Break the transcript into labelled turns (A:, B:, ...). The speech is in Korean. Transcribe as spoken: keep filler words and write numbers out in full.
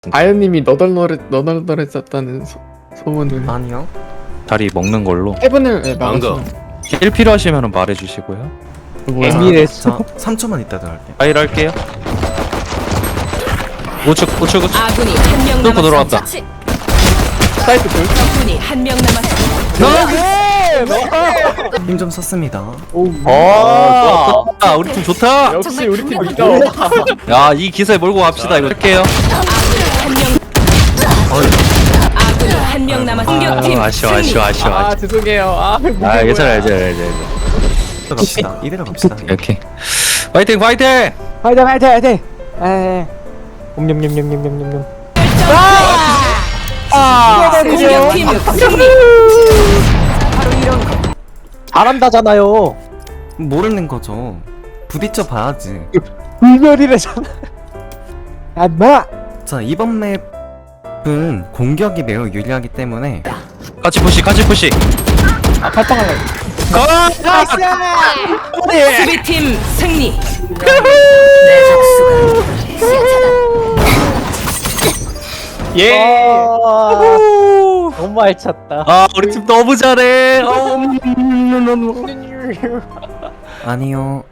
A: 아연님이 너덜너덜 너덜너덜했었다는 소, 소문을.
B: 아니요.
C: 다리 먹는 걸로.
A: 해븐을 네, 막으시면.
C: 힐 필요하시면 말해주시고요.
A: 뭐야?
B: 자, 삼 초만 있다 들어갈게요.
C: 파일 할게요. 우측 우측 우측.
D: 아군이 한 명
C: 뚫고 들어왔다.
D: 남았습니다.
A: 사이트 돌.
D: 적군이 한 명 남았습니다.
B: 힘 좀 썼습니다.
C: 아, 좋다. 우리 팀 좋다.
A: 역시 우리 팀 이겨.
C: 야, 이 기세 몰고 갑시다. 이거 할게요.
D: 아군이 한 명 남았습니다.
C: 아,
D: 공격팀
C: 아쉬워,
D: 승리.
C: 아쉬워, 아쉬워,
A: 아
C: 아쉬워.
A: 죄송해요. 아
C: 아, 괜찮아, 괜찮아, 괜찮아.
B: 이대로 갑시다. 이대로 갑시다.
C: 오케이. 파이팅, 파이팅.
E: 화이팅 화이팅 화이팅! 에이 옴뇸뇸뇸뇸뇸뇸
D: 공격팀 승리.
E: 잘한다잖아요.
B: 모르는 거죠. 부딪혀 봐야지.
E: 불멸이래잖아. 야 인마!
B: 자, 이번 맵은 공격이 매우 유리하기 때문에
C: 같이 푸시, 같이 푸시.
E: 아 팔빵할래.
C: 가!
D: 수비팀 승리.
A: 예.
E: 너무 알찼다.
C: 아, 우리 팀 너무 잘해. 어,
B: 아니요.